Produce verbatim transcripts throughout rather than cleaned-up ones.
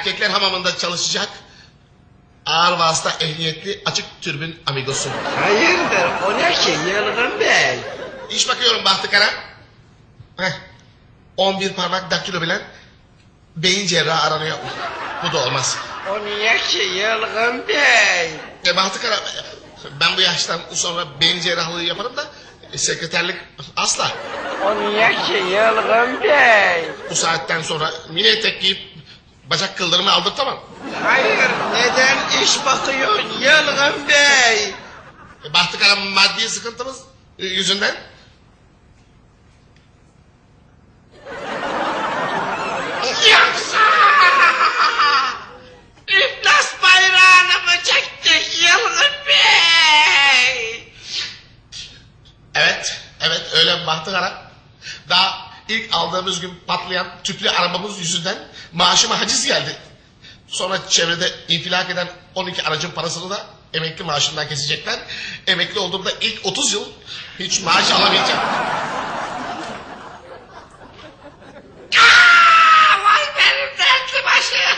Erkekler hamamında çalışacak. Ağır vasıta ehliyetli açık türbün amigosu. Hayırdır o ne ki Yılgın Bey? İş bakıyorum Bahtı Kara. Heh. on bir parmak daktilo bilen beyin cerrahı aranıyor. Bu da olmaz. O niye ki Yılgın Bey? E, Bahtı Kara, ben bu yaştan sonra beyin cerrahlığı yaparım da e, sekreterlik asla. O niye ki Yılgın Bey? Bu saatten sonra mini etek giyip bacak kıldırımı aldırtamam. Hayır neden iş bakıyorsun Yılgın Bey? E, Bahtı Kara, maddi sıkıntımız e, yüzünden. Yoksa İflas bayrağını mı çektik Yılgın Bey? Evet, evet öyle Bahtı Kara. Daha ilk aldığımız gün patlayan tüplü arabamız yüzünden maaşıma haciz geldi. Sonra çevrede infilak eden on iki aracın parasını da emekli maaşından kesecekler. Emekli olduğumda ilk otuz yıl hiç maaş alamayacağım. Aa, vay benim dertli başım.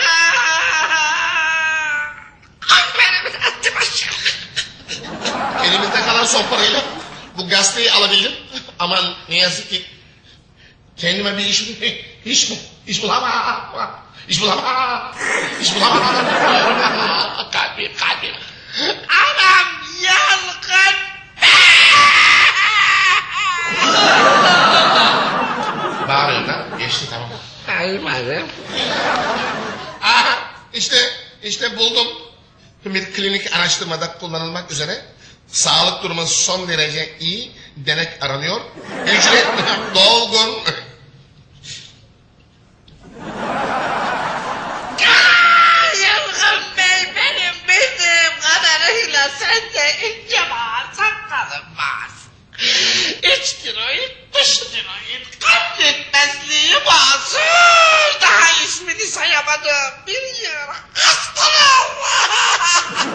Ay benim dertli başım. Elimizde kalan son parayla bu gazeteyi alabildim. Aman ne yazık ki kendime bir iş iş mi? İş bulamam. İş bulamam. İş bulamam. Kalbim kalbim. Anam Yılgın Bağırıyorum lan. Geçti tamam. Ay benim. Aha işte işte buldum. Bir klinik araştırmada kullanılmak üzere sağlık durumu son derece iyi denek aranıyor. Ücret dolgun. Yılgın Bey benim bildiğim kadarıyla sende ince bağır sakalın var. İç tiroid, dış tiroid, kalp yetmezliği bazı. Daha ismini sayamadığım bir yer hastalığı var.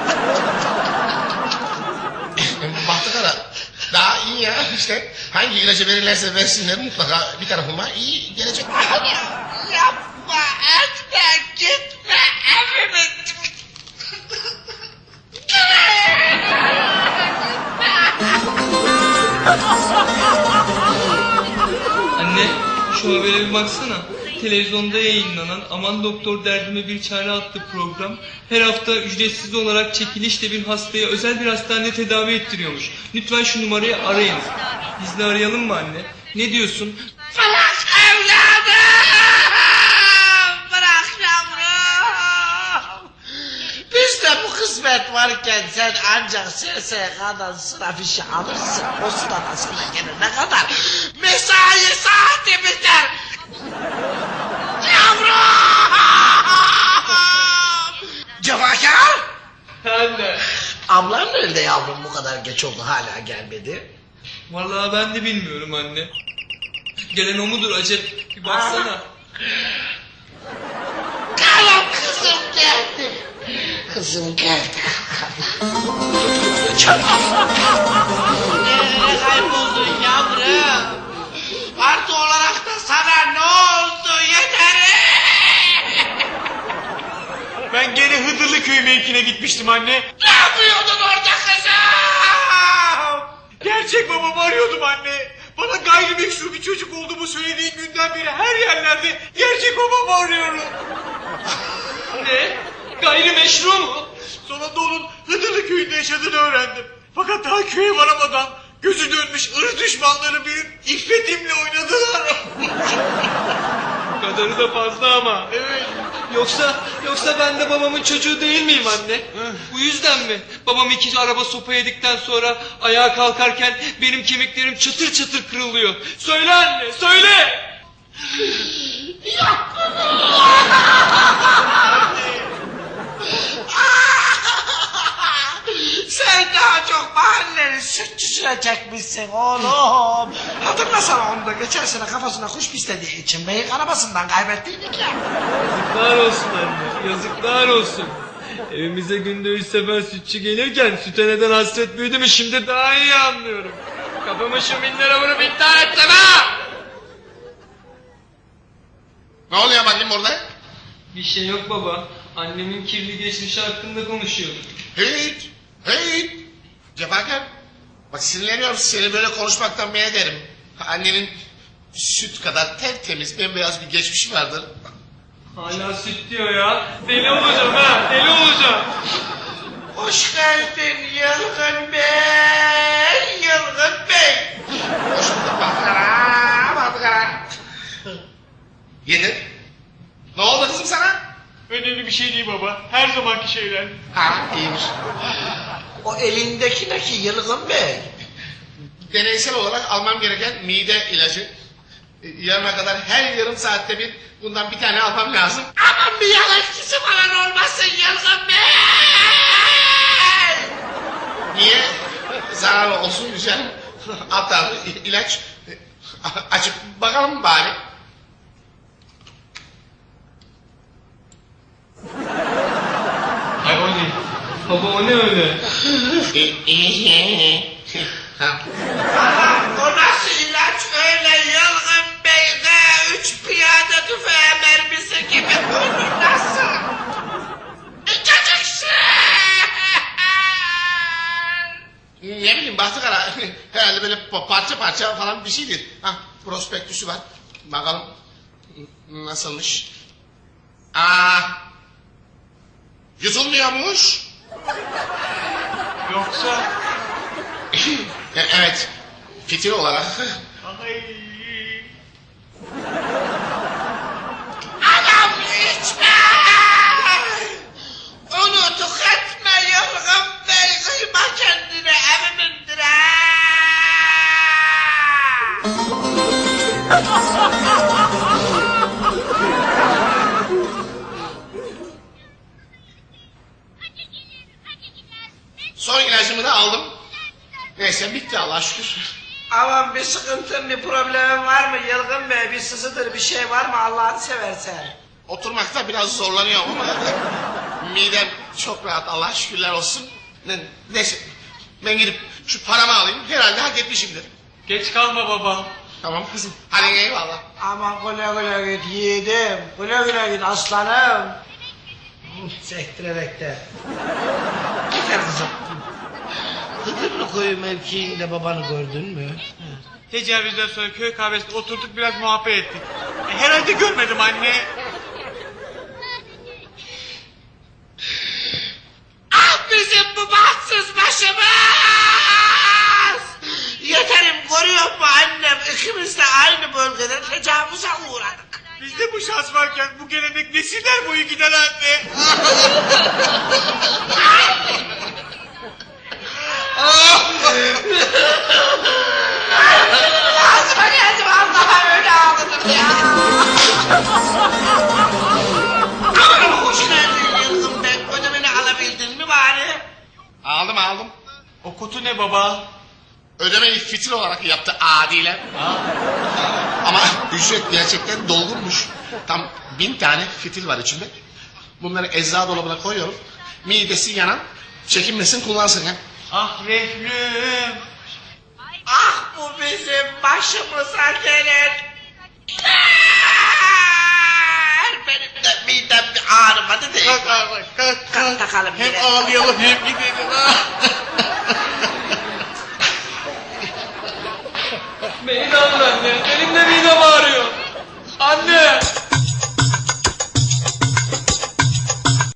Bahtı Kara daha iyi ya işte hangi ilacı verirlerse versinler mutlaka bir tarafıma iyi gelecek. Yapma etme gitme evime. Anne, şu habere bir baksana. Televizyonda yayınlanan Aman Doktor Derdime Bir Çare adlı program her hafta ücretsiz olarak çekilişle bir hastaya özel bir hastanede tedavi ettiriyormuş. Lütfen şu numarayı arayınız. Biz de arayalım mı anne? Ne diyorsun? Bırak evladım! Bırak yavrum! Bizde bu kısmet varken sen ancak S S K'dan sıra fişi alırsın. O sırada sana gelene kadar mesai saati biter. Yavrum! Cevakar! Anne. Ablam nerede yavrum, bu kadar geç oldu hala gelmedi? Vallahi ben de bilmiyorum anne. Gelen o mudur acep? Bir baksana. Kalam kızım geldi. Kızım geldi. Nereye kayboldun yavrum? Artı olarak da sana ne oldu yeter? Ben gene Hıdırlı köy mevkine gitmiştim anne. Ne yapıyordun orada kızım? Gerçek babamı arıyordum anne. Bana gayrimeşru bir çocuk olduğumu söylediğin günden beri her yerlerde gerçek babamı arıyorum. Ne? Gayrimeşru mu? Sonunda onun Hıdırlı köyünde yaşadığını öğrendim. Fakat daha köye varamadan gözü dönmüş ırz düşmanları benim iffetimle oynadılar. Bu kadarı da fazla ama. Evet. Yoksa yoksa ben de babamın çocuğu değil miyim anne? Bu yüzden mi? Babam iki araba sopa yedikten sonra ayağa kalkarken benim kemiklerim çıtır çıtır kırılıyor. Söyle anne, söyle! Sen daha çok mahallenin sütçüsüne çekmişsin oğlum. Hatırlasana onu da geçen sene kafasına kuş pislediği için beyik arabasından kaybettiydik ya. Yazıklar olsun anne, yazıklar olsun. Evimize günde üç sefer sütçü gelirken süte neden hasret büyüdü mü şimdi daha iyi anlıyorum. Kafamı şu minlere vurup intihar ettim ha! Ne oluyor bakayım burada? Bir şey yok baba. Annemin kirli geçmişi hakkında konuşuyorduk. Hiç, hiç. Cefakar, bak sinirleniyorum, seni böyle konuşmaktan men ederim. Annenin süt kadar tertemiz, bembeyaz bir geçmişi vardır. Hala süt diyor ya. Deli olacağım ha, deli olacağım. Hoş geldin Yılgın Bey, Yılgın Bey. Hoş bulduk Bahtara, Bahtara. Yedin. Ne oldu kızım sana? Önemli bir şey değil baba. Her zamanki şeyler. Ha, iyiymiş. O elindeki ne ki Yılgın Bey? Deneysel olarak almam gereken mide ilacı. E, Yarına kadar her yarım saatte bir bundan bir tane almam lazım. Aman bir yan etkisi falan olmasın Yılgın Bey. Niye? Zararlı olsun güzel. Hatta ilaç e, açıp bakalım bari. Ay o ne? Baba o ne öyle? Ha. O nasıl ilaç öyle Yılgın Bey? G üç piyade tüfeği mermisi gibi. Onu nasıl? İçeceksin. Ne bileyim Bahtıkara herhalde böyle pa- parça parça falan bir şeydir. Ha, prospektüsü var. Bakalım nasılmış. Aa, yutulmuyormuş. Yoksa... E, evet, fitil olarak. Ay... Adam içme. Onu tüketme Yılgın Bey. Kıyma kendine evimindir ha. Son ilacımı da aldım. Neyse bitti Allah'a şükür. Aman bir sıkıntın bir problemin var mı Yılgın Bey? Bir sızıdır bir şey var mı Allah'ını seversen? Oturmakta biraz zorlanıyorum ama midem çok rahat Allah'a şükürler olsun. Ne- Neyse ben gidip şu paramı alayım, herhalde hak etmişimdir. Geç kalma baba. Tamam kızım, hadi eyvallah. Aman güle güle git yiğidim. Güle güle git aslanım. Sektirerek de. Gider kızım. Hıdırlı koyu mevkiinde babanı gördün mü? Tecavüzden sonra köy kahvesinde oturduk biraz muhabbet ettik. E, herhalde görmedim anne. Ah bizim bu bahtsız başımız! Yeterim görüyor mu annem? İkimiz de aynı bölgede tecavüze uğradık. Bizde bu şans varken bu gelenek nesiller boyu gider anne. Ağzıma geldi vallahi öyle ağladım ya. Aman hoşuna geldin Yılgın Bey. Ödemeni alabildin mi bari? Aldım aldım. O kutu ne baba? Ödemeyi fitil olarak yaptı adiler. Ama ücret gerçekten dolgunmuş. Tam bin tane fitil var içinde. Bunları eczacı dolabına koyuyorum. Midesi yanan çekinmesin kullansın ya. Ah reflüm. Ah bu bizim başımıza gelen. Benim de midem bir ağrımadı değil. Kalk abi kalk Kalk kalk. takalım Hem yine. ağlayalım hem gidelim. Ah. Beni de alın anne.